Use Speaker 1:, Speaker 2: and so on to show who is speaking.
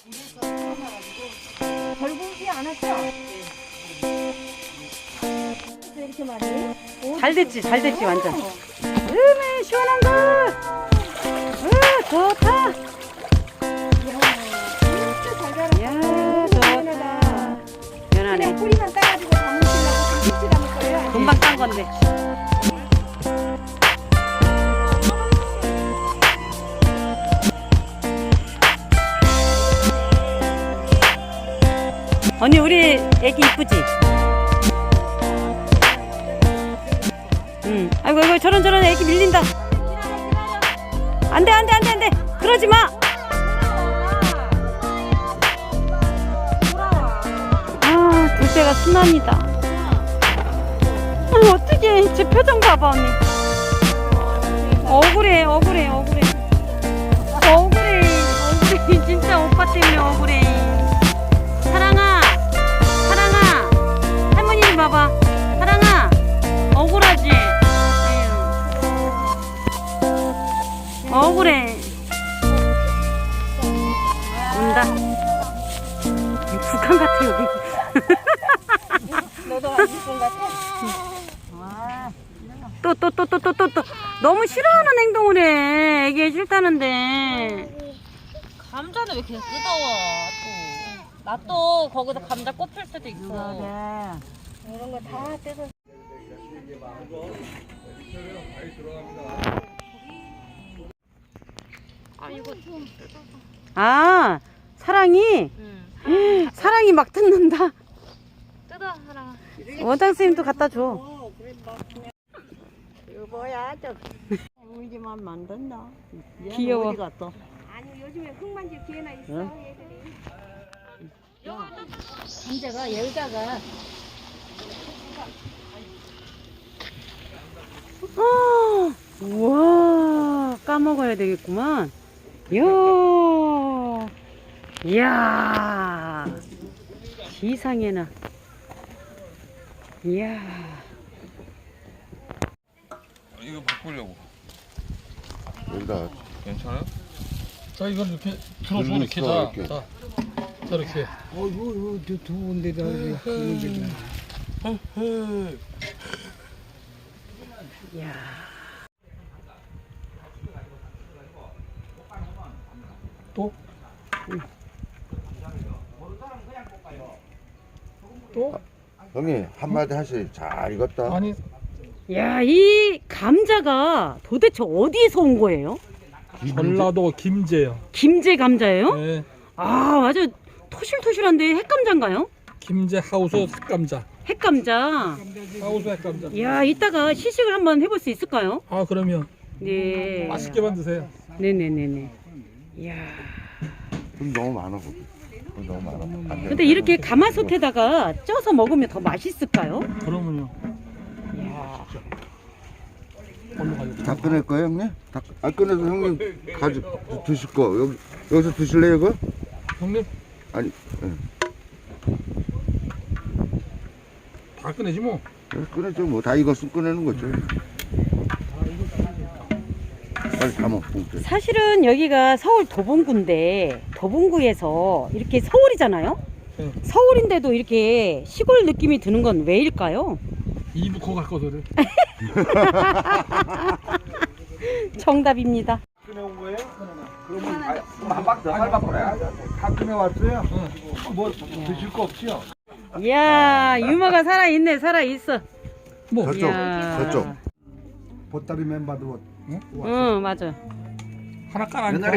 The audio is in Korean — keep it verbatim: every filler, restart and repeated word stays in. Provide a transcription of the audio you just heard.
Speaker 1: 결국이 안 왔죠? 이렇게 많이?
Speaker 2: 잘 됐지, 잘 됐지, 완전. 음에 시원한 거. 으, 좋다.
Speaker 1: 진짜 잘 자랐어.
Speaker 2: 야,
Speaker 1: 연하다.
Speaker 2: 좋다. 연하네.
Speaker 1: 그냥 뿌리만 따가지고 담으시려고 김치 담을 거예요?
Speaker 2: 금방 딴 건데. 언니, 우리 애기 이쁘지? 응. 아이고, 아이고, 저런, 저런 애기 밀린다. 안 돼, 안 돼, 안 돼, 안 돼. 그러지 마. 아, 둘째가 순환이다. 아, 어떡해. 제 표정 봐봐, 언니. 억울해, 억울해, 억울해. 억울해, 억울해. 진짜 오빠 때문에 억울해. 사랑아, 사랑아. 할머니 좀 봐봐. 사랑아, 억울하지? 에휴. 억울해. 온다. 북한 같아, 여기.
Speaker 1: 너도 안 있을 것 같아?
Speaker 2: 또, 또, 또, 또, 또, 또, 또. 너무 싫어하는 행동을 해. 애기 싫다는데.
Speaker 3: 감자는 왜 그냥 뜯어와 또. 나 또 거기서 감자 꼽힐 수도 있어.
Speaker 1: 이런 거 다 떼서.
Speaker 3: 아 이거 좀
Speaker 2: 아, 사랑이?
Speaker 3: 응.
Speaker 2: 사랑이 막 뜯는다.
Speaker 3: 뜯어 하라.
Speaker 2: 원장쌤도 갖다 줘.
Speaker 1: 이거 뭐야, 저. 울지만 만든다.
Speaker 2: 귀여워.
Speaker 1: 어디 갔어? 아니, 요즘에 흙 만질 기회나 있어,
Speaker 2: 응?
Speaker 1: 얘들이. 감자가 열다가.
Speaker 2: 아, 우와, 까먹어야 되겠구만. 이야, 이야, 세상에나. 이야.
Speaker 4: 이거 바꾸려고.
Speaker 5: 여기다
Speaker 4: 괜찮아요?
Speaker 6: 자 이걸 이렇게 들어줘
Speaker 5: 눌러
Speaker 6: 이렇게
Speaker 5: 써,
Speaker 6: 자,
Speaker 5: 이렇게.
Speaker 6: 자, 자 이렇게
Speaker 7: 어이구, 이거 두 군데다 두 군데다.
Speaker 2: 이야.
Speaker 6: 또? 또?
Speaker 5: 형님 한마디 하세요. 잘 익었다.
Speaker 6: 아니
Speaker 2: 야, 이 감자가 도대체 어디에서 온 거예요?
Speaker 6: 전라도 김제요.
Speaker 2: 김제 감자예요?
Speaker 6: 네,
Speaker 2: 아, 아주 토실토실한데 핵감자인가요?
Speaker 6: 김제 하우스 삭감자.
Speaker 2: 핵감자.
Speaker 6: 하우스 삭감자.
Speaker 2: 이야, 이따가 시식을 한번 해볼 수 있을까요?
Speaker 6: 아 그러면
Speaker 2: 네.
Speaker 6: 맛있게 만드세요.
Speaker 2: 네네네네. 이야.
Speaker 5: 돈 너무 많아 거기. 돈 너무 많아. 안 돼.
Speaker 2: 근데 이렇게 가마솥에다가 쪄서 먹으면 더 맛있을까요?
Speaker 6: 그러면요.
Speaker 2: 이야.
Speaker 6: 얼른 가요.
Speaker 5: 다 꺼낼 거예요 형님? 다, 안 꺼내서 형님 가지 드실 거 여기 여기서 드실래요 이거?
Speaker 6: 형님
Speaker 5: 아니 예.
Speaker 6: 다 꺼내지 뭐.
Speaker 5: 예, 꺼내죠 뭐 다 익었으면 꺼내는 거죠. 빨리 담아 봉투.
Speaker 2: 사실은 여기가 서울 도봉구인데 도봉구에서 이렇게 서울이잖아요?
Speaker 6: 네.
Speaker 2: 서울인데도 이렇게 시골 느낌이 드는 건 왜일까요?
Speaker 6: 이부 커갈 거거든.
Speaker 2: 정답입니다.
Speaker 8: 꺼내온 거예요? 그러면 한 박 더 밟아보래. 다 꺼내왔어요? 뭐 드실 거 없지요?
Speaker 2: 이야, 유머가 살아있네, 살아있어.
Speaker 6: 뭐
Speaker 5: 저쪽
Speaker 2: 이야.
Speaker 5: 저쪽.
Speaker 8: 보따리 멤버도
Speaker 2: 응, 맞아.
Speaker 6: 하나 깔아니까.